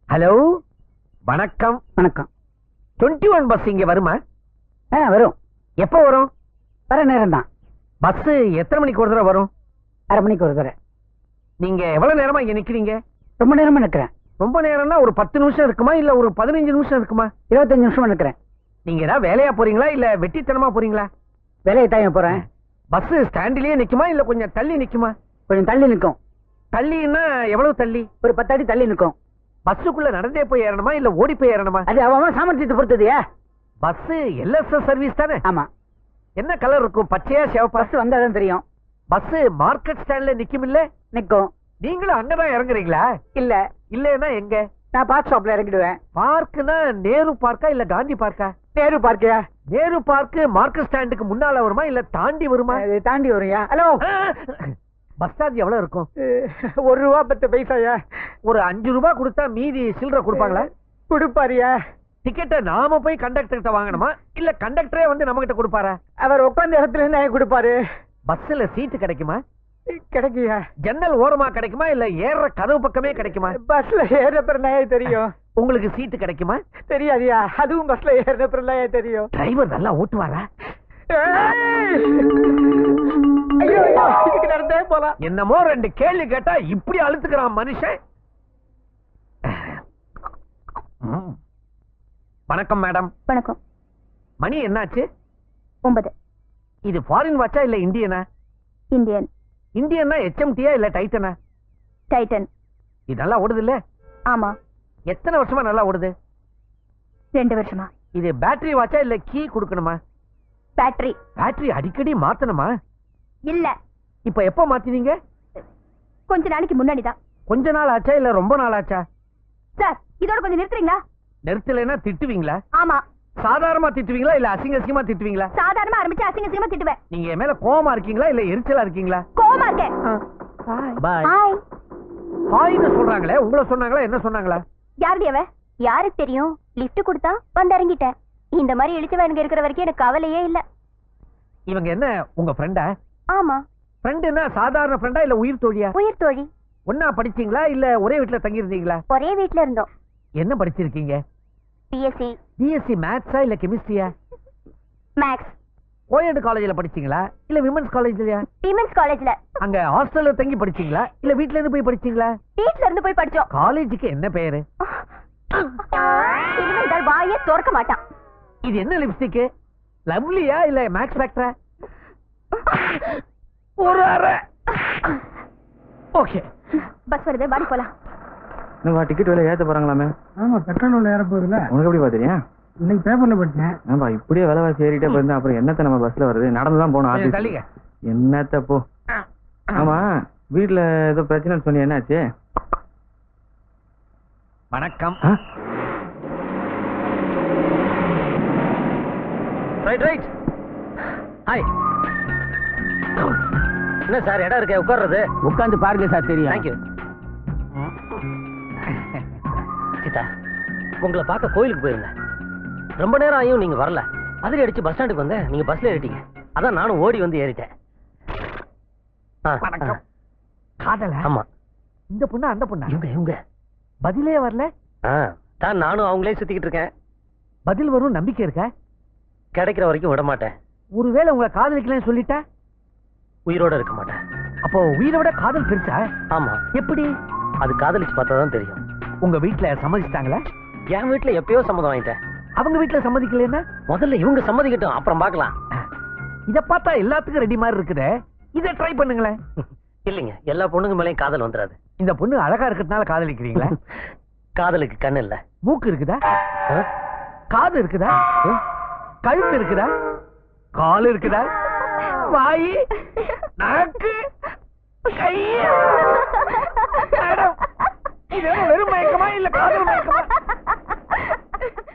Hello, வணக்கம். வணக்கம். 21 bus இங்க வருமா? வரும். எப்போ வரும்? வர நேரம் தான். பஸ் எத்தனை மணிக்கு ஒரு தடவை வரும்? அரை மணிக்கு ஒரு தடவை. நீங்க எவ்வளவு நேரமா இங்க நிக்கிறீங்க? ரொம்ப நேரமா நிக்கிறேன். ரொம்ப நேரம்னா ஒரு 10 நிமிஷம் இருக்குமா இல்ல ஒரு 15 நிமிஷம் இருக்குமா? 25 நிமிஷமா நிக்கிறேன். நீங்க ஏதாவது வேலையா போறீங்களா இல்ல வெட்டித்தனமா போறீங்களா? வேலையை தான் போறேன். பஸ் ஸ்டாண்டிலேயே நிக்குமா இல்ல கொஞ்சம் தள்ளி நிக்குமா? கொஞ்சம் தள்ளி நிக்கும். தள்ளின்னா எவ்வளவு தள்ளி? ஒரு 10 அடி தள்ளி நிக்கும். பஸ்ஸுக்குள்ள நடந்தே போய் ஏறணுமா இல்ல ஓடி போய் ஏறணுமா? அது அவன் சாமர்த்தியத்தை பொறுத்தது. பஸ் எல்எஸ்எஸ் சர்வீஸ் தானே? ஆமா. என்ன கலர் இருக்கும்? பச்சையா சிவப்பா? பஸ் வந்தாதான் தெரியும். பஸ் மார்க்கெட் ஸ்டாண்ட்ல நிக்கும் இல்ல? நிக்கும். நீங்களும் அங்கதான் இறங்குறீங்களா? இல்ல. இல்லன்னா எங்க? நான் பார்க் ஷாப்ல இறங்கிடுவேன். பார்க்னா நேரு பார்க்கா இல்ல காந்தி பார்க்கா? நேரு பார்க்கியா? நேரு பார்க் மார்க்கெட் ஸ்டாண்டுக்கு முன்னால வருமா இல்ல தாண்டி வருமா? தாண்டி வருயா. ஹலோ, பஸ் சார்ஜ் எவ்வளவு இருக்கும்? 1 ரூபா 10 பைசாயா? ஒரு 5 ரூபாய் கொடுத்தா மீதி சில்லற கொடுப்பாங்களா? கொடுப்பாரியா? டிக்கெட்டை நாம போய் கண்டக்டர் கிட்ட வாங்கணுமா இல்ல கண்டக்டரே வந்து நம்ம கிட்ட கொடுப்பாரா? அவர் உட்கார்ந்த இடத்துல இருந்து கொடுப்பாரு. பஸ்ல சீட்டு கிடைக்குமா? கிடைக்கியா? ஜன்னல் ஓரமா கிடைக்குமா இல்ல ஏற கதவு பக்கமே கிடைக்குமா? பஸ்ல ஏற பிறனாயே தெரியும். உங்களுக்கு சீட்டு கிடைக்குமா? தெரியாதியா? அதுவும் பஸ்ல ஏற பிறனாயே தெரியும். டிரைவர் நல்லா ஓட்டுவாரா? ஐயோ, இதுக்கு நடந்தே போலாம். என்னமோ 2 கேள்வி கேட்டா இப்படி அழுத்துக்கிறான் மனுஷன். வணக்கம் மேடம். வணக்கம். மணி என்னாச்சு? 9. இது ஃபாரின் வாட்சா இல்ல இந்தியனா? இந்தியன். இந்தியன்னா HMTயா இல்ல டைட்டனா? டைட்டன். இது நல்லா ஓடுது இல்ல? ஆமா. எத்தனை வருஷமா நல்லா ஓடுது? 2 வருஷமா. இது பேட்டரி வாட்சா இல்ல கீ கொடுக்கணுமா? பேட்டரி. பேட்டரி அடிக்கடி மாத்தணுமா? இல்ல. இப்ப எப்ப மாத்தினீங்க? கொஞ்ச நாளைக்கு முன்னாடி தான். கொஞ்ச நாள் ஆச்சா இல்ல ரொம்ப நாள் ஆச்சா? சார், இதோட கொஞ்சம் நிறுத்துறீங்களா? நிறுத்தலைன்னா திட்டுவீங்களா? ஆமா. சாதாரணமா திட்டுவீங்களா இல்ல அசிங்கமா திட்டுவீங்களா? சாதாரணமா ஆரம்பிச்சு அசிங்கமா திட்டுவேன். நீங்க என் மேல கோவமா இருக்கீங்களா இல்ல எரிச்சலா இருக்கீங்களா? கோவமா இருக்கேன். பாய். ஹாய். ஹாய்னு சொல்றாங்களே, உங்களை சொன்னாங்களா என்ன சொன்னாங்களா? யாருடைய அவ? யாருக்கு தெரியும்? லிஃப்ட் கொடுத்தா வந்து இறங்கிட்டேன். இந்த மாதிரி இழிச்சவனுங்க இருக்கிற வரைக்கும் எனக்கு கவலையே இல்ல. இவங்க என்ன உங்க ஃப்ரெண்டா? ஆமா. ஃப்ரெண்டுன்னா சாதாரண ஃப்ரெண்டா இல்ல உயிர் தோழியா? உயிர் தோழி. ஒன்னா படிச்சீங்களா இல்ல ஒரே வீட்டுல தங்கி இருந்தீங்களா? ஒரே வீட்ல இருந்தோம். என்ன படிச்சிருக்கீங்க? பிஎஸ்சி. பிஎஸ்சி மேத்ஸா இல்ல கெமிஸ்ட்ரியா? மேத்ஸ். கோயட் காலேஜ்ல படிச்சீங்களா இல்ல விமென்ஸ் காலேஜ்லயா? விமென்ஸ் காலேஜ்ல. அங்க ஹாஸ்டல்ல தங்கி படிச்சீங்களா இல்ல வீட்ல இருந்து போய் படிச்சீங்களா? வீட்ல இருந்து போய் படிச்சோம். காலேஜுக்கு என்ன பேரு? இனிமேல் வாயே திறக்க மாட்டான். இது என்ன லிப்ஸ்டிக்? லவ்லியா இல்ல மேக்ஸ் ஃபேக்டரா? ஒரு அரை. ஓகே. பஸ் வருது, வாடி போலாம். நம்ம டிக்கெட் விலை ஏத்த போறாங்களாமே? ஆமா, பெட்ரோல் விலை ஏற போகுதுல. உனக்கு எப்படி பாத்தீங்க? இன்னைக்கு பேப்பர்ல படிச்சேன். ஆமா, இப்படியே விலைவாசி ஏறிட்டே போயிருந்தா அப்புறம் என்னத்த நம்ம பஸ்ல வருது? நடந்துதான் போகணும் ஆபீஸ். தள்ளிங்க. என்னத்த போ. ஆமா, வீட்டுல ஏதோ பிரச்சனை சொன்னி, என்னாச்சு? வணக்கம். Right right. ஹாய். என்ன சார் இடம் இருக்க உட்கார்றது? உட்கார்ந்து பாருங்க சார், தெரியும். தேங்க்யூ. சீதா, உங்களை பார்க்க கோயிலுக்கு போயிருந்தேன். ரொம்ப நேரம் ஆகியும் நீங்க வரல. அதிரி அடிச்சு பஸ் ஸ்டாண்டுக்கு வந்தேன். நீங்க பஸ்ல ஏறிட்டீங்க. அதான் நானும் ஓடி வந்து ஏறிட்டேன். வணக்கம். காதல? ஆமா. இந்த பொண்ணு அந்த பொண்ணு? இவங்க பதிலே வரல. தான் நானும் அவங்களே சுத்திக்கிட்டு இருக்கேன். பதில் வரும் நம்பிக்கை இருக்க? கிடைக்கிற வரைக்கும் விட மாட்டேன். ஒருவேளை உங்களை காதலிக்கலன்னு சொல்லிட்டா? உயிரோட இருக்க மாட்டேன். அப்போ உயிரை விட காதல் பெருசா? ஆமா. எப்படி? அது காதலிச்சு பார்த்தா தான் தெரியும். உங்க வீட்டுல சம்மதிச்சிட்டாங்களா? என் வீட்டுல எப்பயோ சம்மதம் வாங்கிட்டேன். அவங்க வீட்டுல சம்மதிக்கலன்னா? முதல்ல இவங்க சம்மதிக்கட்டும், அப்புறம் பார்க்கலாம். இத பார்த்தா எல்லாத்துக்கும் ரெடி மாதிரி இருக்குதே. இதை ட்ரை பண்ணுங்களேன். இல்லைங்க, எல்லா பொண்ணுங்க மேலேயும் காதல் வந்துடாது. இந்த பொண்ணு அழகா இருக்கிறதுனால காதலிக்கிறீங்களா? காதலுக்கு கண்ணு இல்ல. மூக்கு இருக்குதா? காது இருக்குதா? கழுத்து இருக்குதா? கால் இருக்குதா? வாய்?